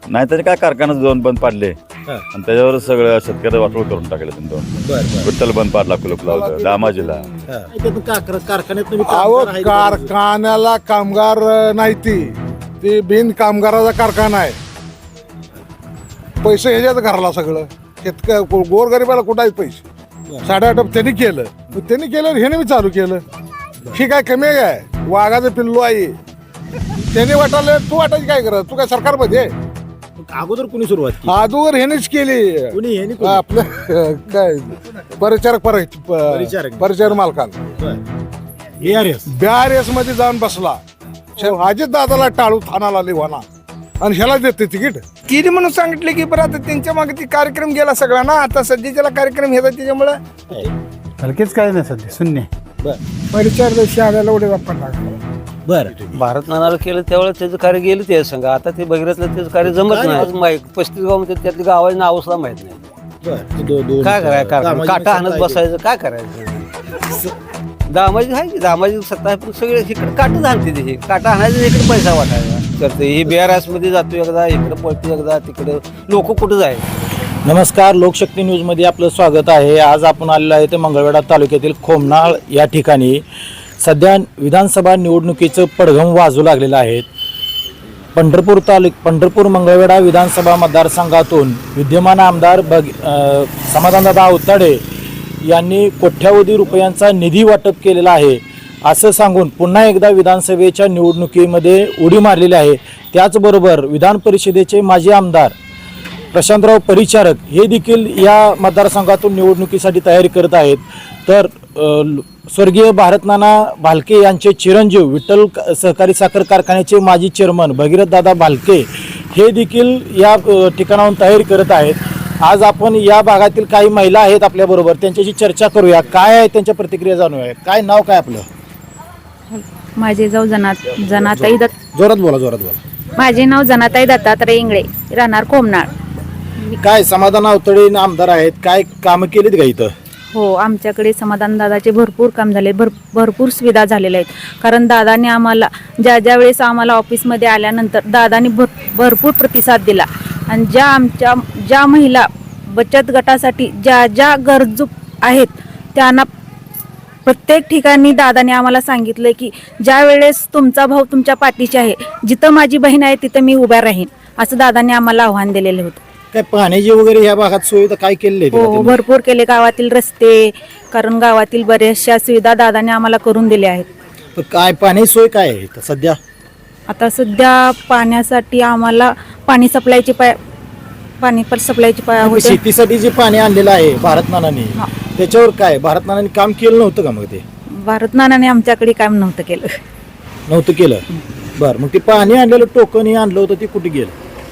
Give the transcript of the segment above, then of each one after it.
नाहीतर काय कारखाना दोन बंद पाडले आणि त्याच्यावर सगळं शेतकरी वाटोळ करून टाकले तुम्ही दोन. विठ्ठल बंद पाडला, कुलूप लावलं दामाजीला. कारखान्याला कामगार नाही, ती बिन कामगाराचा कारखाना आहे. पैसे ह्याच्यात घरला सगळं गोरगरिबाला कुठं आहेत पैसे. 8.5 त्यांनी केलं, त्यांनी केलं ह्याने मी चालू केलं. ही काय कमी आहे काय? वाघाचं पिल्लू आहे. त्याने वाटायला तू वाटायची काय करत? तू काय सरकारमध्ये? अगोदर कोणी सुरुवात केली? अगोदर ह्यानेच केली. आपलं काय परिचारक मालकाला BRS मध्ये जाऊन बसला. अजित दादाला टाळू थानाला लिवाना आणि ह्याला देते तिकीट केली म्हणून सांगितले की बरं आता त्यांच्या मागे ती कार्यक्रम गेला सगळा ना. आता सध्याच्याला कार्यक्रम घेतात त्याच्यामुळं हलकेच काय नाही सध्या शून्य. परिचार आल्याला उडे बाप्पा बरं भारत नानाला केलं त्यावेळेस त्याचं कार्य गेलं ते संघ. आता ते भगीरथलं त्याचं कार्य जमत नाही. 35 गाव मध्ये त्यातली गावाची नाव सुद्धा माहित नाही. काय करायचं? काटा आणत बसायचं, काय करायचं? दामाजी आहे की दामाजी सत्ता आहे, पण सगळे इकडे काटच आणते. ते काटा आणायचं, इकडे पैसा वाटायचा करते. हे BRS मध्ये जातो एकदा, इकडे पळतो एकदा, तिकडे लोक कुठं जाय. नमस्कार, लोकशक्ती न्यूजमध्ये आपलं स्वागत आहे. आज आपण आलेलो आहे ते मंगळवेढा तालुक्यातील खोमनाळ या ठिकाणी. सध्या विधानसभा निवडणुकीचं पडघम वाजू लागलेलं आहे. पंढरपूर मंगळवेढा विधानसभा मतदारसंघातून विद्यमान आमदार समाधानदादा अवताडे यांनी कोट्यावधी रुपयांचा निधी वाटप केलेला आहे असं सांगून पुन्हा एकदा विधानसभेच्या निवडणुकीमध्ये उडी मारलेली आहे. त्याचबरोबर विधान परिषदेचे माजी आमदार प्रशांतराव परिचारक हे देखील या मतदारसंघातून निवडणुकीसाठी तयारी करत आहेत. तर स्वर्गीय भारतनाना भालके यांचे चिरंजीव विठ्ठल सहकारी साखर कारखान्याचे माजी चेअरमन भगीरथदादा भालके हे देखील या ठिकाणाहून तयारी करत आहेत. आज आपण या भागातील काही महिला आहेत आपल्याबरोबर, त्यांच्याशी चर्चा करूया. काय आहे त्यांच्या प्रतिक्रिया जाणूया. काय नाव काय आपलं? माझे नाव जनाताई जोरात बोला. माझे नाव जनाताई दत्तात्रय इंगळे, राहणार कोमनाळ. काय समाधान अवतडे आमदार आहेत, काय कामं केलीत का इथं? हो, आमच्याकडे समाधान दादाचे भरपूर काम झाले, भरपूर सुविधा झालेल्या आहेत. कारण दादाने आम्हाला ज्या वेळेस आम्हाला ऑफिसमध्ये आल्यानंतर दादाने भरपूर प्रतिसाद दिला. आणि ज्या महिला बचत गटासाठी ज्या गरजू आहेत त्यांना प्रत्येक ठिकाणी दादाने आम्हाला सांगितलं की ज्या वेळेस तुमचा भाऊ तुमच्या पाठीशी आहे, जिथं माझी बहीण आहे तिथं मी उभा राहीन, असं दादाने आम्हाला आव्हान दिलेलं होतं. काय पाण्याची वगैरे या भागात सुविधा काय केलेली? हो, भरपूर केले. गावातील रस्ते, कारण गावातील बऱ्याचशा सुविधा दादाने आम्हाला करून दिल्या आहेत. काय पाण्याची सोय काय आहे इथं सध्या? आता सध्या पाण्यासाठी आम्हाला पाणी सप्लायची शेतीसाठी जे पाणी आणलेलं आहे भारतनानाने, त्याच्यावर काय भारतनानाने काम केलं नव्हतं का? मग ते भारतनानाने आमच्याकडे काम नव्हतं केलं. बरं, मग ते पाणी आणलेलं टोकन हे आणलं होतं, ते कुठे गेलं?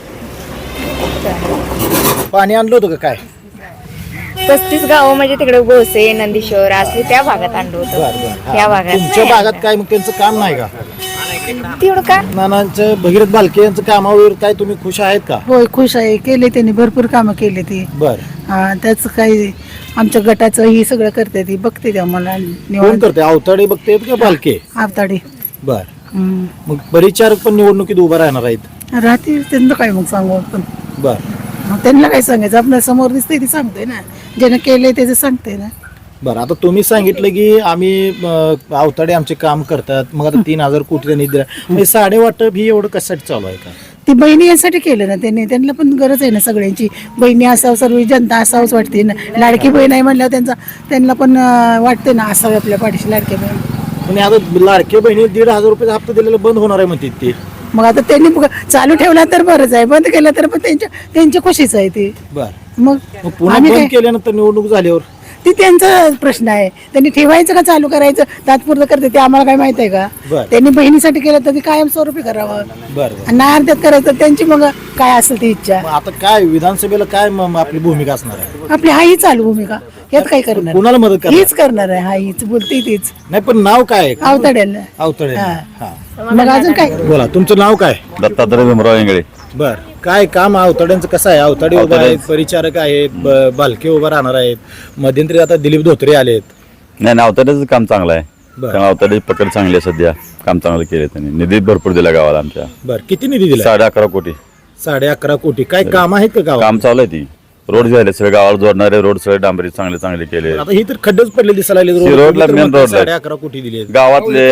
पाणी आणलं होतं का काय? 35 गाव म्हणजे तिकडे गोसे, नंदीश्वर असले त्या भागात आणलं होतं. या भागात तुमच्या भागात काय मग त्यांचं काम नाही का? तेवढं का नानांचं भगीरथ भालके यांचं कामावर काय तुम्ही खुश आहेत का? होय, खुश आहे. केले त्यांनी भरपूर कामं केले ती. बरं, त्याच काही आमच्या गटाचं ही सगळं करते ती, बघते ती आम्हाला. कोण करते? अवताडे बघते का भालके? आवताडे. बर, मग परिचारक पण निवडणुकीत उभा राहणार आहेत? राहतील त्यांना काय मग सांगू आपण. बर, त्यांना काय सांगायचं? आपल्या समोर दिसते ती सांगते ना, ज्यानं केलंय त्याचं सांगते ना. बरं, आता तुम्ही सांगितलं की आम्ही अवताडे आमचे काम करतात, मग आता 3000 कोटी त्यांनी दिला. म्हणजे साडे वाटप ही एवढं कशासाठी चालू आहे का? ती बहिणी यासाठी केलं ना त्यांनी. त्यांना पण गरज आहे ना सगळ्यांची. बहिणी असावं, सर्व जनता असावंच वाटते ना. लाडकी बहीण आहे म्हणल्यावर त्यांना पण वाटते ना असावे आपल्या पाठीशी लाडकी बहीण. पण आता लाडके बहिणी 1,500 रुपयाचा हप्ता दिलेला बंद होणार आहे म्हणते ते. मग आता त्यांनी चालू ठेवला तर बरंच आहे, बंद केलं तर पण त्यांच्या खुशीच आहे ते. बरं, मग पुन्हा बंद केल्यानंतर निवडणूक झाल्यावर ती त्यांचा प्रश्न आहे. त्यांनी ठेवायचं का चालू करायचं, तात्पुरतं करते ते आम्हाला काय माहित आहे का? त्यांनी बहिणीसाठी केलं तर ते कायमस्वरूपी करावं. बरं, नाही अर्ध्यात करायचं तर त्यांची मग काय असेल ती इच्छा. आता काय विधानसभेला काय आपली भूमिका असणार आहे? आपली हाही चालू भूमिका, यात काय करणार? कुणाला मदत करणार? हीच करणार आहे, हा हीच बोलते तीच. नाही, पण नाव काय? अवताड्याला. अवताडे. मग अजून काय? बोला, तुमचं नाव काय? दत्तात्रय भीमराव इंगळे. बर, काय काम अवताड्यांचं कसं आहे? अवताडे उभा आहेत, परिचारक आहेत, भालके उभा राहणार आहेत, मध्यंतरी आता दिलीप धोत्रे आलेत. नाही, अवताड्याचं काम चांगलं आहे. त्यामुळे अवताड्याची पकड चांगली आहे. सध्या काम चांगलं केलं त्यांनी. निधी भरपूर दिला गावाला आमच्या. बर, किती निधी दिला? 11.5 कोटी. 11.5 कोटी काय काम आहेत का गावात? काम चालू आहे ती रोड झाले सगळे गावाला जोडणारे रोड सगळे डांबरी चांगले चांगले केले. आता ही तर खड्डेच पडले दिसायला लागले ही रोडला main रोडला आहे. 11.5 कोटी दिले. गावातले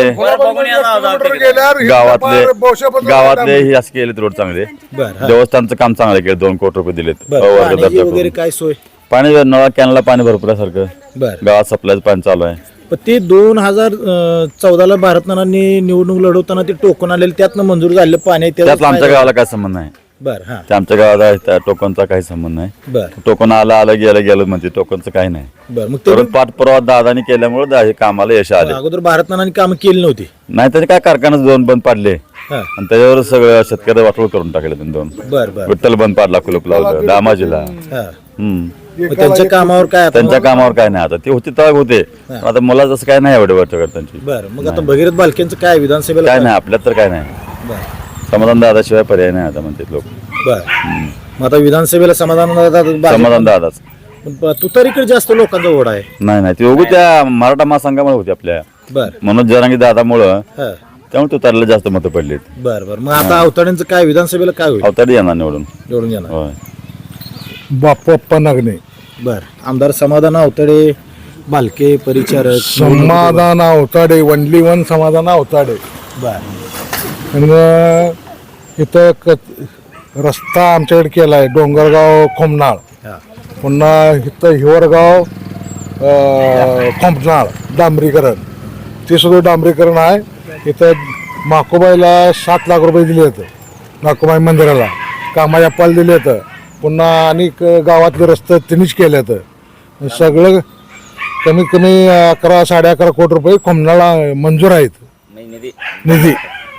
गावातले गावातले हे असे केलेत रोड चांगले. बरं देवस्थानचं काम चांगलं केलं 2 कोटी रुपये दिलेत. पाण्याची वगैरे काय सोय? पाणी नळा कॅनला पाणी भरपूर आहे सारखं. बरं गावात सप्लायचं पाणी चालू आहे. पण ते 2014ला भारतनानांनी निवडणूक लढवताना ते टोकन आलेले त्यातनं मंजूर झालेलं पाणी आहे, त्यातला आमच्या गावाला काय संबंध नाही. बरं हा ते आमच्या गावात आहे त्या टोकनचा काही संबंध नाही. बरं टोकन आलं गेलं म्हणजे टोकनचं काही नाही. बरं मग ते परत पाठपुरावा दादानी केल्यामुळे हे कामाला यश आले. अगोदर भारतनानांनी कामं केली नव्हती. नाही त्याने काय कारखाना 2 बंद पाडले हा आणि त्याच्यावर सगळं शेतकरी वाटोळ करून टाकले त्यांनी 2. बरं बरं विठ्ठल बंद पाडला कुलूप लावलं दामाजीला. हा हम्म. मग त्यांच्या कामावर काय आता? त्यांच्या कामावर काय नाही आता ते होते तग होते पण आता मला जसं काय नाही एवढे वाटत त्यांची बरं मग आता भगीरथ बालकेंचं काय विधानसभेला काय नाही आपल्यात तर काय नाही. बरं समाधान दादाशिवाय पर्याय नाही आता म्हणतात लोक. बरं मग आता विधानसभेला समाधान दादाच तुतारीकडे जास्त लोकांचा ओढ आहे. नाही नाही ते उगू त्या मराठा महासंघामुळे होते आपल्या बरं मनोज जरांगी दादामुळं हा त्यामुळे तुतारीला जास्त मतं पडलीत. बरं बरं मग आता अवताड्यांचं काय विधानसभेला काय होईल? अवताडी येणार निवडून. निवडून येणार. होय बाप्पा नागणे बरं आमदार समाधान अवताडे बालके परिचारक समाधान अवताडे वनली वन समाधान अवताडे. बरं आणि इथं रस्ता आमच्याकडे केला आहे डोंगरगाव खोमनाळ. हा पुन्हा इथं हिवरगाव खोमनाळ डांबरीकरण ते सुद्धा डांबरीकरण आहे. इथं माकोबाईला 7 लाख रुपये दिले होते माकोबाई मंदिराला कामाच्या पाल दिले होतं. पुन्हा अनेक गावातले रस्ते त्यांनीच केले होतं. सगळं कमीत कमी 11-11.5 कोटी रुपये खोमनाळा मंजूर आहेत निधी.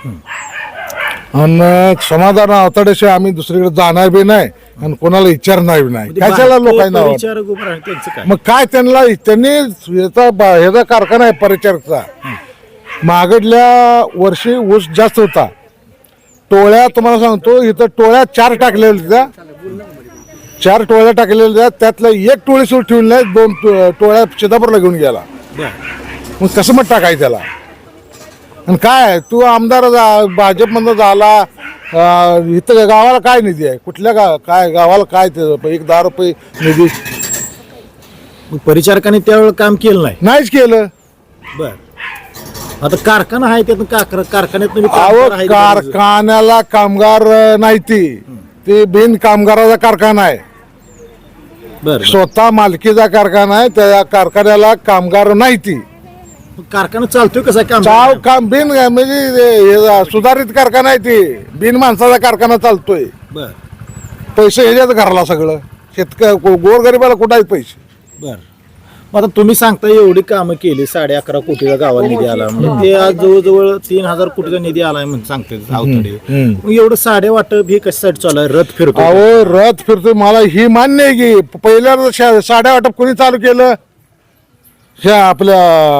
आणि समाधान अवताड्याशिवाय आम्ही दुसरीकडे जाणार बी नाही आणि कोणाला विचारणार बी नाही. कशाला लोकांना परिचारक उभं राहणं त्यांचं काय? मग काय त्यांनी ह्याचा कारखाना आहे परिचारकचा. मागडल्या वर्षी ऊस जास्त होता. टोळ्या तुम्हाला सांगतो इथं टोळ्या 4 टाकलेल्या 4 टोळ्या टाकलेल्या त्यातल्या 1 टोळी सुरू ठेवून नाही 2 टोळ्या चिदापूरला घेऊन गेला. मग कसं मग टाकायचं त्याला? आणि काय तू आमदार भाजपमधनं झाला इथं गावाला काय निधी आहे? कुठल्या काय गावाला काय ते 10 रुपये निधी मग परिचारकांनी त्यावेळेला काम केलं नाहीच केलं. बरं आता कारखाना आहे त्यातून कारखान्यात कारखान्याला कामगार नाही ते बिन कामगाराचा कारखाना आहे. बरं स्वतः मालकीचा कारखाना आहे. त्या कारखान्याला कामगार नाही ती. कारखाना चालतोय कसा काम बिन म्हणजे सुधारित कारखाना आहे ती. बिन माणसाचा कारखाना चालतोय. बरं पैसे ह्याच्यात घराला सगळं गोरगरिबाला कुठं आहेत पैसे? बरं मग आता तुम्ही सांगता एवढी कामं केली 11.5 कोटीचा गावाला निधी आला म्हणजे ते आज जवळजवळ 3,000 कोटीचा निधी आलाय म्हणून सांगते अवताडे. मग एवढं साडे वाटप हे कशासाठी चालू आहे? रथ फिरतो अहो रथ फिरतोय मला ही मान्य आहे की पहिल्या साड्या वाटप कोणी चालू केलं? ह्या आपल्या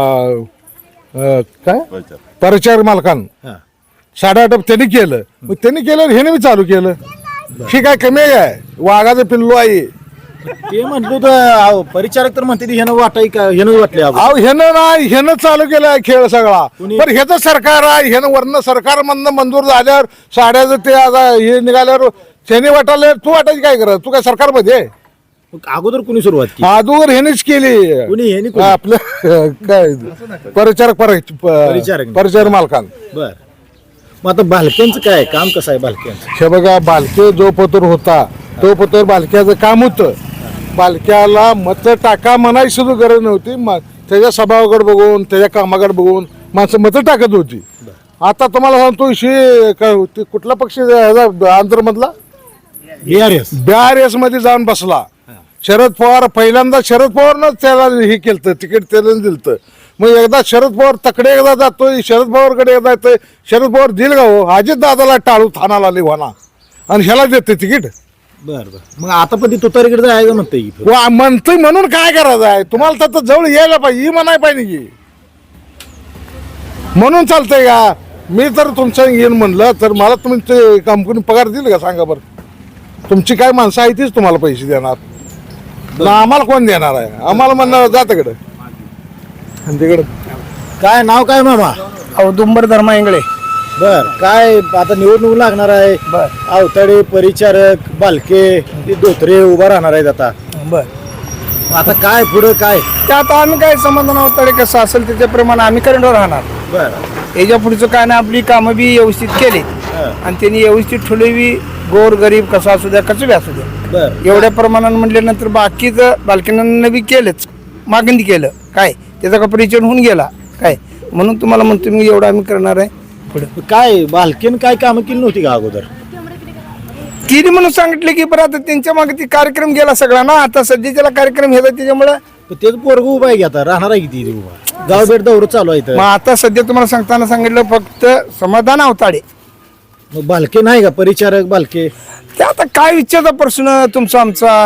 काय परिचार मालकानं हा साड्या वाटप त्यांनी केलं. मग त्यांनी केलं ह्याने मी चालू केलं. ही काय कमी आहे? वाघाचं पिल्लू आहे. ते म्हटलं तर परिचारक तर म्हणते ह्यानं वाटाय का ह्यानं वाटले अहो ह्यानं नाही ह्यानं चालू केलाय खेळ सगळा. पण ह्याचं सरकार आहे ह्यानं वर्ण सरकारमधनं मंजूर झाल्यावर साड्याचं ते आता हे निघाल्यावर त्याने वाटायला तू वाटायची काय करत? तू काय सरकारमध्ये आहे? अगोदर कुणी सुरुवात केली? अगोदर ह्यानेच केली. कुणी ह्यानी आपलं काय परिचारक मालकान. बर मग आता बालक्यांचं काय काम कसं आहे बालक्यांचं? हे बघा बालके जो पतोर होता तो पतोर बालक्याचं काम होतं. बालक्याला मत टाका म्हणायची सुद्धा गरज नव्हती. त्याच्या स्वभावाकडे बघून त्याच्या कामाकडे बघून माणसं मतं टाकत होती. आता तुम्हाला सांगतो कुठला पक्ष आंध्रमधला BRS मध्ये जाऊन बसला. शरद पवार पहिल्यांदा शरद पवारनंच त्याला हे केलं तिकीट त्याला दिलं. मग एकदा शरद पवार तकडे एकदा जातोय शरद पवारकडे एकदा येतोय. शरद पवार दिल का हो अजित दादाला टाळू थानाला लिव्हाना आणि ह्याला देते तिकीट. बर बर मग आता पण ती तुतारीकडे जायचं म्हणते म्हणतोय म्हणून काय करायचं आहे? तुम्हाला तर जवळ यायला पाहिजे ही म्हणाय पाहिजे की म्हणून चालतंय का? मी तर तुमच्या येईन म्हणलं तर मला तुम्ही ते कंपनी पगार दिल का सांगा बरं? तुमची काय माणसं आहे तीच तुम्हाला पैसे देणार ना आम्हाला कोण देणार आहे? आम्हाला म्हणणार जा तिकडं आणि तिकडं. काय नाव काय मामा? औदुंबर धर्मा इंगळे. बर काय आता निवडणूक लागणार आहे बर अवताडे परिचारक बालके ते धोत्रे उभा राहणार आहेत आता बर आता काय पुढं काय ते आता आम्ही काय समाधान अवताडे कसं असेल त्याच्याप्रमाणे आम्ही करंटवर राहणार. बर याच्या पुढचं काय ना आपली कामं बी व्यवस्थित केली आणि त्यांनी व्यवस्थित ठेवली गोर गरीब कसं असू द्या कसं बी असू द्या बर एवढ्या प्रमाणात म्हटल्यानंतर बाकीचं बालकीनांना बी केलंच मागणी केलं काय त्याचा का परिचय होऊन गेला काय म्हणून तुम्हाला म्हणतो मी एवढं आम्ही करणार आहे पुढे काय बालकेन काय कामं केली नव्हती का अगोदर किती म्हणून सांगितले की परत आता त्यांच्या मागे ती कार्यक्रम गेला सगळा ना आता सध्याच्याला कार्यक्रम घेतला त्याच्यामुळं तेच पोरग उभा आहे की आता राहणार आहे किती उभा गाव भेट दौर चालू आहे मग आता सध्या तुम्हाला सांगताना सांगितलं फक्त समाधान अवताडे मग बालके नाही का परिचारक बालके ते आता काय विचारता प्रश्न तुमचा आमचा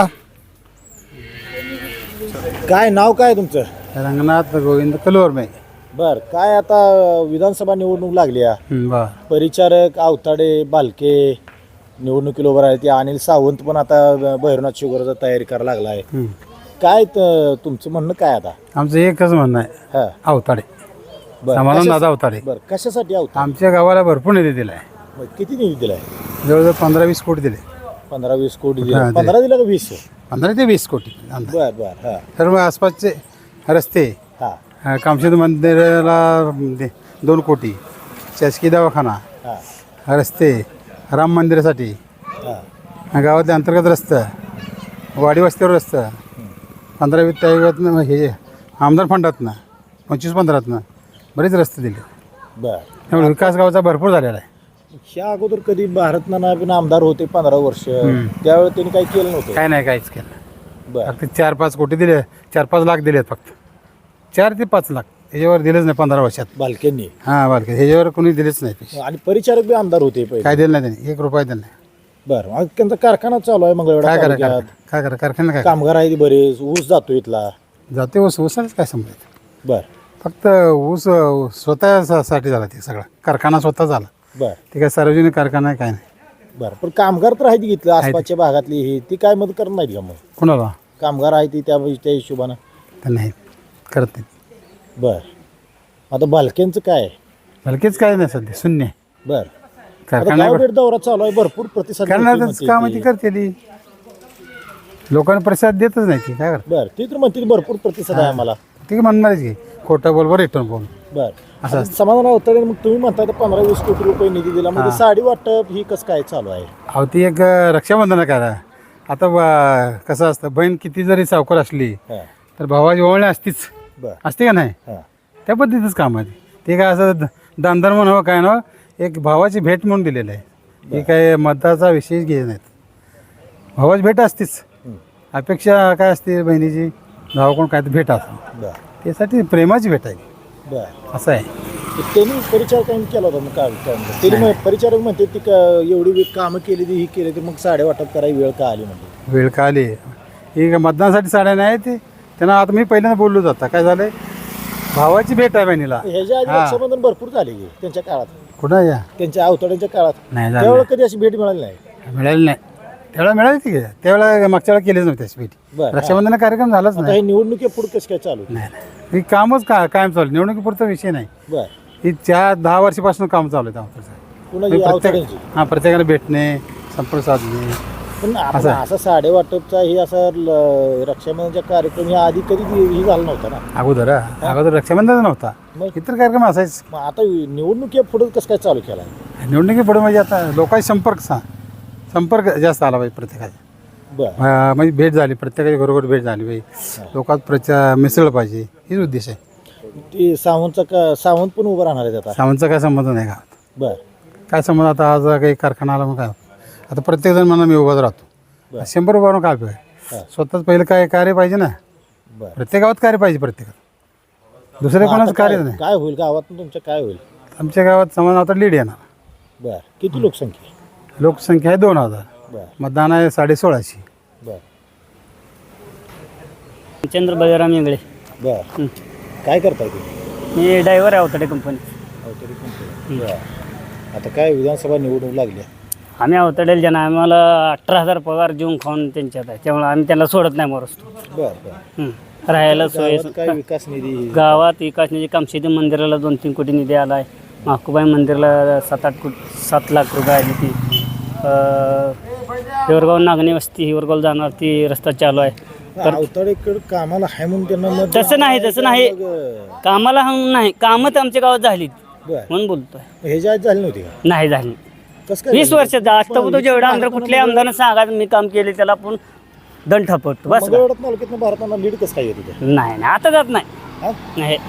काय नाव काय तुमचं रंगनाथ गोविंद कलोरमे. बर काय आता विधानसभा निवडणूक लागली बर परिचारक अवताडे बालके निवडणुकीला उभं राहिले ते अनिल सावंत पण आता भैरवनाथ शुगरचा तयारी करायला लागला आहे काय तुमचं म्हणणं काय आता आमचं एकच म्हणणं आहे हा अवताडे बर समाधान दादा अवताडे. बर कशासाठी अवताडे आमच्या गावाला भरपूर निधी दिलाय मग किती निधी दिलाय जवळजवळ 15-20 कोटी दिले 15-20 कोटी हा, दिला दिले. 15 दिला का 20 15 ते 20 कोटी अंदाज. बर बर हा सर्व आसपासचे रस्ते हा कामशेत मंदिराला 2 कोटी शासकीय दवाखाना हा रस्ते राम मंदिरासाठी हा गावातले अंतर्गत रस्ता वाडी वस्त्यावर रस्ता 15-20 हे आमदार फंडातनं 25-15तनं बरेच रस्ते दिले बर त्यामुळे विकास गावाचा भरपूर झालेला आहे. ह्या अगोदर कधी भारत नाना पण आमदार होते 15 वर्ष त्यावेळेस त्यांनी काही केलं नव्हतं काय नाही काहीच केलं बर फक्त 4-5 कोटी दिले 4-5 लाख दिलेत फक्त 4 ते 5 लाख ह्याच्यावर दिलेच नाही 15 वर्षात. बालकेंनी हां बालके ह्याच्यावर कोणी दिलेच नाही पैसे. आणि परिचारक बी आमदार होते पहिले काय दिलं नाही त्यांनी 1 रुपया दिला नाही. बर मग त्यांचा कारखाना चालू आहे मंगळवेढा काय करा तालुक्यात. काय करा कारखाना काय कामगार आहे बरेच ऊस जातो इथला जाते ऊसाच काय समजायचं बर फक्त ऊस स्वतःसाठी झाला ते सगळा कारखाना स्वतः झाला बर ते काय सार्वजनिक कारखाना आहे काय नाही. बर पण कामगार तर आहेत घेतलं आसपासच्या भागातली ही ती काय मदत करत नाहीत का मग कोणाला कामगार आहे ती त्या हिशोबानं तर नाही करत नाही बर आता बालकेंचं काय हलकेच काय नाही सध्या शून्य आहे. बर कारखाना गाव भेट दौरा चालू आहे भरपूर प्रतिसाद करणारच मिळतोय काम म्हणते ती करते ती. लोकांना प्रतिसाद देतच नाही ती काय करत बर ती तर म्हणते भरपूर प्रतिसाद आहे आम्हाला ती म्हणणारच की खोटं बोल बरं रिटर्न बोल बर आता समाधान अवतडे मग तुम्ही म्हणता 15-20 कोटी रुपये निधी दिला म्हणजे साडी वाटप ही कसं काय चालू आहे अहो ती एक रक्षाबंधन करा आता कसं असतं बहीण किती जरी सावकार असली हा. तर भावाची ओवळणी असतीच बर असते का नाही हा त्या पद्धतीच काम आहे ते काय असं दानधर्म म्हणावं काय ना एक भावाची भेट म्हणून दिलेलं आहे हे काय मताचा विषय घे नाहीत भावाची भेट असतीच अपेक्षा काय असते बहिणीची भावाकडून काय तर भेट असं बर त्यासाठी प्रेमाची भेट आहे बर असं आहे त्यांनी परिचारकांनी केला होता मग काय त्यांनी परिचारक म्हणते ती एवढी कामं केली ती ही केली तर मग साड्या वाटप करायची वेळ का आली म्हणजे वेळ का आली ही काय मतदानासाठी साड्या नाही ते त्यांना आता मी पहिल्यांदा बोललो जाता काय झालंय भावाची भेट आहे बहिणीला ह्याच्या आधी रक्षाबंधन भरपूर झाले की त्यांच्या काळात कुठं या त्यांच्या अवतड्यांच्या काळात नाही झालं त्यावेळेला कधी अशी भेट मिळाली नाही मिळाली नाही त्यावेळेला मिळाली ती त्यावेळेला मागच्या वेळेला केलीच नव्हती अशी भेटी बरं. रक्षाबंधन कार्यक्रम झालाच आता नाही हे निवडणुकी पुढे कसं काय चालू नाही ही कामच कायम चालू निवडणुकीपुरता विषय नाही बर ही 10 वर्षापासून काम चालू आहे पुन्हा ही अवतड्यांची हां प्रत्येकाला भेटणे संपर्क साधणे पण आपण असा साडे वाटपचा हे असा रक्षाबंधनचा कार्यक्रम या आधी कधी ही झाला नव्हता ना अगोदर रक्षाबंधन नव्हता मग? इतर कार्यक्रम असायच मग आता निवडणुकी पुढे कसं काय चालू केला निवडणुकी पुढे म्हणजे आता लोकांशी संपर्क जास्त आला पाहिजे प्रत्येकाचा बर म्हणजे भेट झाली प्रत्येकाच्या घरोघर भेट झाली पाहिजे लोकात प्रचार मिसळलं पाहिजे हेच उद्देश आहे ते सावंत पण उभं राहणार आहेत आता सावंतचा काय संबंध नाही गावात बर काय संबंध आता आज काही कारखाना आला मग काय आता प्रत्येकजण म्हणा मी उभाच राहतो 100 उभारून काय पाहिजे स्वतःच पहिलं काय कार्य पाहिजे ना बर प्रत्येक गावात कार्य पाहिजे प्रत्येकात दुसऱ्या कोणाचं कार्य नाही काय होईल गावात तुमच्या काय होईल आमच्या गावात समाज आता लीड येणार बर किती लोकसंख्या लोकसंख्या आहे 2000 बर मतदान आहे 1650 बर चंद्र बळीराम इंगळे बर काय करताय तुम्ही मी ड्रायव्हर आहे अवतडे कंपनी अवतरी कंपनी बर आता काय विधानसभा निवडणूक लागली आम्ही अवतडेल जण आम्हाला 18,000 पगार जेवून खाऊन त्यांच्यात आहे त्यामुळे आम्ही त्यांना सोडत नाही मरसतो बर बर राहायला सोय गावात काय विकास निधी गावात विकास निधी कामशेती मंदिराला 2-3 कोटी निधी आला आहे माकुबाई मंदिरला 7 लाख रुपये आली ती. हिवरगाव नागणी वस्ती हिवरगाव जाणार ती रस्ता चालू आहे. तर अवताडेकडे कामाला आहे म्हणून त्यांना मत तसं नाही कामाला नाही कामं तर आमच्या गावात झालीत बरं. म्हणून बोलतोय. हे जे झाली नव्हती का नाही झाली कसं काय 20 वर्षाचा आजपर्यंत जेवढा आमदार कुठल्या आमदारानं सांगायचं मी काम केले त्याला आपण दंड ठपवतो बस. मंगळवेढ्यात तालुक्यातनं भारताला लीड कसं काय येत होतं नाही आता जात नाही हा? नाही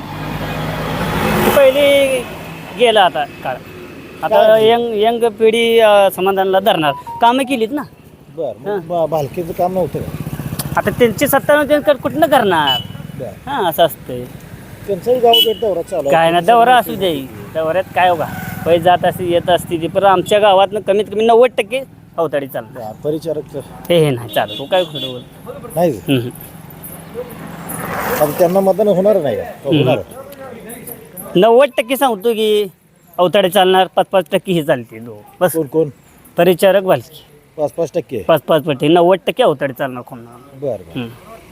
पहिले गेला आता काळ. आता यंग पिढी समाधानला धरणार कामं केलीत ना. बरं भालकेचं काम नव्हतं का आता त्यांची सत्ता नव्हती कुठनं करणार. बरं हां असं असतंय. त्यांचाही गाव भेट दौरा चालू काय ना दौरा असू दे दौऱ्यात काय होगा पैसे जात असते येत असते ती पण आमच्या गावातनं कमीत कमी 90% अवताडी चालतं. परिचारक हे नाही चालत तो काय खरं बोल. नाही आता त्यांना मतदान होणार नाही का होणार 90% सांगतो की अवताडे चालणार 5% हे चालते बस. कोण परिचारक भालकी 5% 5% 90% अवताडे चालणार कोण. बरं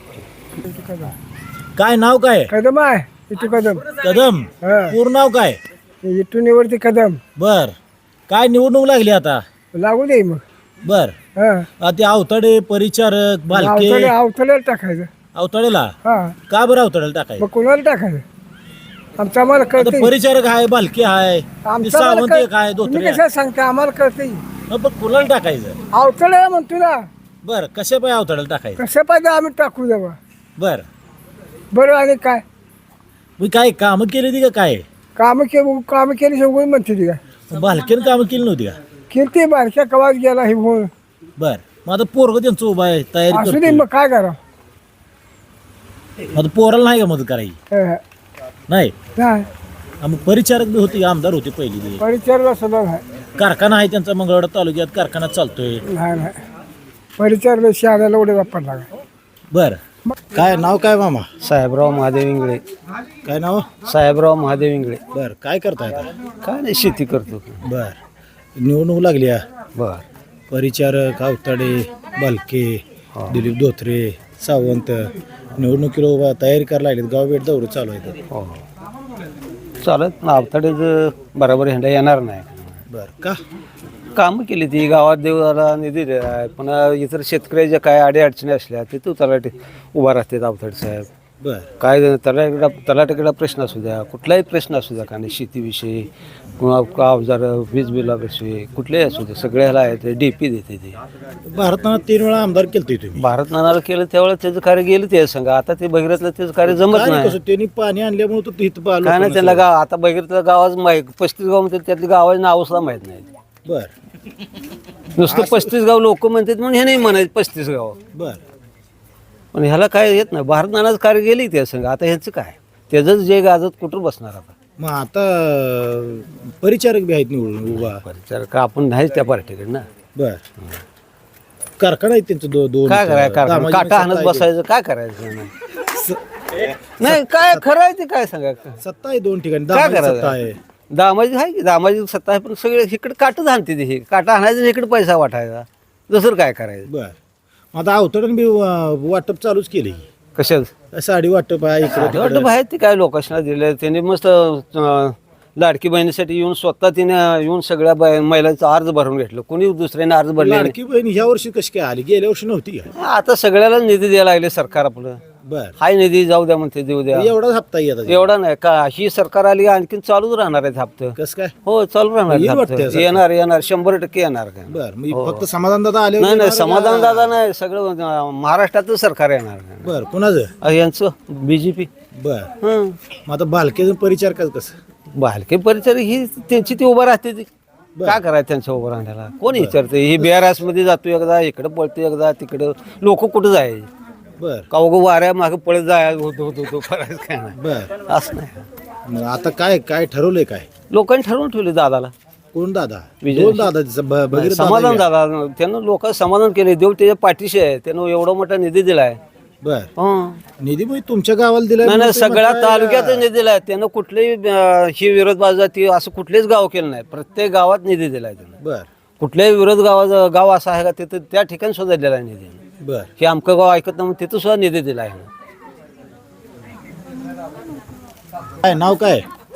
काय नाव काय कदम आहे इथू कदम कदम पूर्ण नाव काय इथून निवडते कदम. बर काय निवडणूक लागली आता लागू दे मग. बर ते अवताडे परिचारक भालके अवतड्याला टाकायचं. अवताडेला हा का बरं अवताडेला टाकाय मग कोणाला टाकायचं आमचं आम्हाला कळते. परिचारक आहे भालके आहे सावंत एक आहे तुम्ही धोत्रे कशा सांगता आम्हाला कळते. पण कुणाला टाकायचं अवतड्याला म्हणतो ना बर कशा पाय अवताडेला टाकायचं कसं पाहिजे आम्ही टाकू देवा. बर बरं आणि काय मी काय कामं केली ती का काय कामं केली सगळी म्हणते ती काय भालकेनं कामं केली नव्हती का किती बारक्या कवाच गेला हे म्हणून. बर मग आता पोरग त्यांचं उभा आहे तयारी असू दे करतोय. मग काय करा. आता पोराला नाही का मदत करायची नाही मग परिचारक बी होते आमदार होते पहिली ते. परिचारला सुद्धा नाही. कारखाना आहे त्यांचा मंगळवाडा तालुक्यात कारखाना चालतोय नाही परिचारला शहराला उडे वापरला. बर काय नाव काय मामा साहेबराव महादेव इंगळे. काय नाव साहेबराव महादेव इंगळे. बर काय करताय आता काय नाही शेती करतो. बर निवडणूक लागली बर परिचारक अवताडे भालके दिलीप धोत्रे सावंत निवडणुकीला उभा तयारी करायला लागलीत गाव भेट दौरे चालू आहेत. हो चालत ना अवताडेच बरोबर हेंडा येणार नाही. बर का कामं केली ती गावात देवाला निधी दिला आहे पण इतर शेतकऱ्याच्या काय अडीअडचणी असल्या ते तू तलाठी उभा राहते अवताडे साहेब. बर काय तलाठीकडा प्रश्न असू द्या कुठलाही प्रश्न असू द्या का नाही शेतीविषयी किंवा अवजार वीज बिलाविषयी कुठलेही असू दे सगळ्याला आहे ते DP देते ते. भारतानं 3 वेळा आमदार केलते तुम्ही भारत नानाला केलं त्यावेळेला त्याचं कार्य गेलं ते सांगा आता ते भगीरथला त्याचं कार्य जमत काय नाही. कसं त्यांनी पाणी आणल्यामुळे तो तिथं आलो काय नाही त्याला गाव आता भगीरथला गावाच माहीत 35 गाव म्हणतात त्यातली गावाची नाव सुद्धा माहीत नाही. बर नुसतं 35 गाव लोक म्हणतात म्हणून हे नाही म्हणायचं 35 गाव बर पण ह्याला काय येत नाही. भारत नानाचं कार्य गेली त्या संघ आता ह्याचं काय त्याचंच जे गाजत कुठं बसणार आता. मग आता परिचारक बी आहेत निवडून उभा परिचारक आपण नाहीच त्या पार्टीकडे ना. बर कारखाना आहे त्यांचं दोन काय करायचं दामाजी काटा हाणत सत्ता आहे. बसायचं काय करायचं नाही काय खरं आहे ते काय सांगा सत्ता आहे 2 ठिकाणी काय दामाजी करायचं? सत्ता आहे दामाजी आहे की दामाजी सत्ता आहे पण सगळे इकडे काटच हाणते ते काटा हाणायचं आणि इकडे पैसा वाटायचा दुसरं काय करायचं. बर मग आता अवतरण बी वाटप चालूच केले कशात साडी वाटप आहे इकडे वाटप आहे ते काय लोकांना दिले त्यांनी मस्त लाडकी बहिणीसाठी येऊन स्वतः तिने येऊन सगळ्या महिलांचा अर्ज भरून घेतलं कोणी दुसऱ्याने अर्ज भरले नाही. लाडकी बहीण ह्या वर्षी कशी काय आली गेल्या वर्षी नव्हती का आता सगळ्याला निधी द्यायला लागले सरकार आपलं. बर हाय निधी जाऊ द्या म्हणते देऊ द्या एवढाच हप्ता येतात एवढा नाही का ही सरकार आली आणखीन चालूच राहणार आहेत हप्ते. कसं काय हो चालू राहणार येईल आहेत वाटतंय हप्ते. असं. येणार 100% येणार काय. बर मग फक्त समाधान दादा आले नाही नाही समाधान दादा नाही सगळं महाराष्ट्रातच सरकार येणार. बर कोणाचं यांचं BJP. बर मग आता भालकेचं परिचारक कसं बालके परिचर ही त्यांची ती उभं राहते ती काय करायचं त्यांच्या उभं राहण्याला कोण विचारते ही BRS मध्ये जातो एकदा इकडं पळतो एकदा तिकडं लोक कुठं जायचे बर का उगं वाऱ्या मागे पळत जायचं होतो करायचं काय नाही बर असं नाही. मग आता काय काय ठरवलंय काय लोकांनी ठरवून ठेवले दादाला कोण दादा विजय. 2 दादा भगीरथ समाधान दादा दादा त्यानं लोक समाधान केले देव त्याच्या पाठीशी आहे त्यानं एवढा मोठा निधी दिलाय. बर हं. निधी मग तुमच्या गावाला दिला नाही नाही सगळ्या तालुक्यात निधी दिलाय त्यानं कुठलेही ही विरोध बाजू असं कुठलेच गाव केलं नाही प्रत्येक गावात निधी दिलाय त्यानं. बर कुठल्याही विरोध गाव असं आहे का तिथं त्या ठिकाणी सुद्धा दिला आहे निधी. बर हे आमचं गाव ऐकत नाही तिथं सुद्धा निधी दिला आहे. काय नाव काय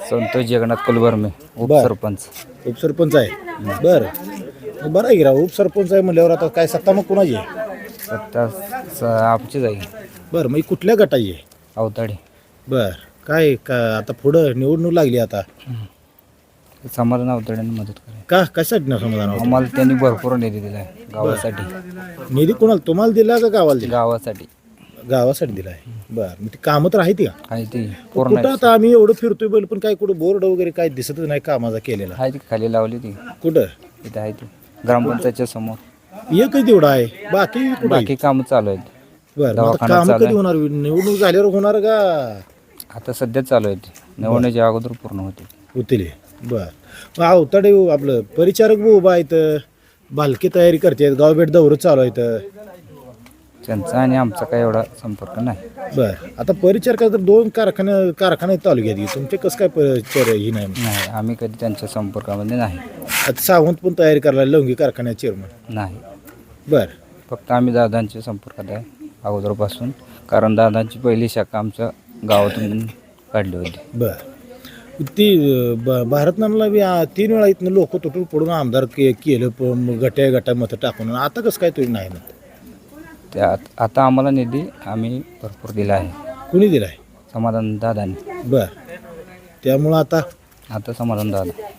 संतोष जगन्नाथ कुलवर्मे उपसरपंच. उपसरपंच आहे बरं बरं आहे की राव उपसरपंच आहे म्हणल्यावर आता काय सत्ता मग कोणाची आहे सत्ता आमचीच आहे बरं मग ही कुठल्या गटाची आहे अवताडे. बरं काय का आता पुढं निवडणूक लागली आता समाधान अवताड्यांनी मदत करायची. का कशासाठी ना समाधान आम्हाला त्यांनी भरपूर निधी दिला आहे गावासाठी. निधी कोणाला तुम्हाला दिला का गावाला दिला गावासाठी गावासाठी दिला आहे बरं मग ती कामं तर आहेत का आहे ती पूर्ण कुठं आता आम्ही एवढं फिरतोय बैल पण काय कुठं बोर्ड वगैरे काय दिसतच नाही कामाचा केलेला आहे ती खाली लावली ती कुठं इथं आहे ती ग्रामपंचायतच्या समोर. एकच तेवढं आहे बाकी कुठं बाकी कामं चालू आहेत. बरं मग आता दवाखाना कामं चालू कधी होणार निवडणूक झाल्यावर होणार का आता सध्या चालू आहेत. निवडण्याच्या अगोदर पूर्ण होते. होतील बर मग अवताडे आपलं परिचारक बी उभा आहेत बालकी तयारी करतात गावभेट दौरं चालू आहेत त्यांचा आणि आमचा काही एवढा संपर्क नाही. बर आता परिचारक तर 2 कारखाने तालुक्यात आहेत. तुमचे कसं काय परिचार ही नाही नाही आम्ही कधी त्यांच्या संपर्कामध्ये नाही. आता सावंत पण तयारी करायला लवंगी कारखान्यात चेअरमन नाही. बर फक्त आम्ही दादांच्या संपर्कात आहे अगोदरपासून. कारण दादांची पहिली शाखा आमच्या गावातून काढली होती. बर ती भारतनाला बी 3 वेळा इथनं लोक तुटून पडून आमदार केलं गट्या मतं टाकून आता कसं काय तुम्ही नाही ना त्यात आता आम्हाला निधी आम्ही भरपूर दिला आहे. कुणी दिलाय समाधान दादांनी. बर त्यामुळं आता समाधान दादा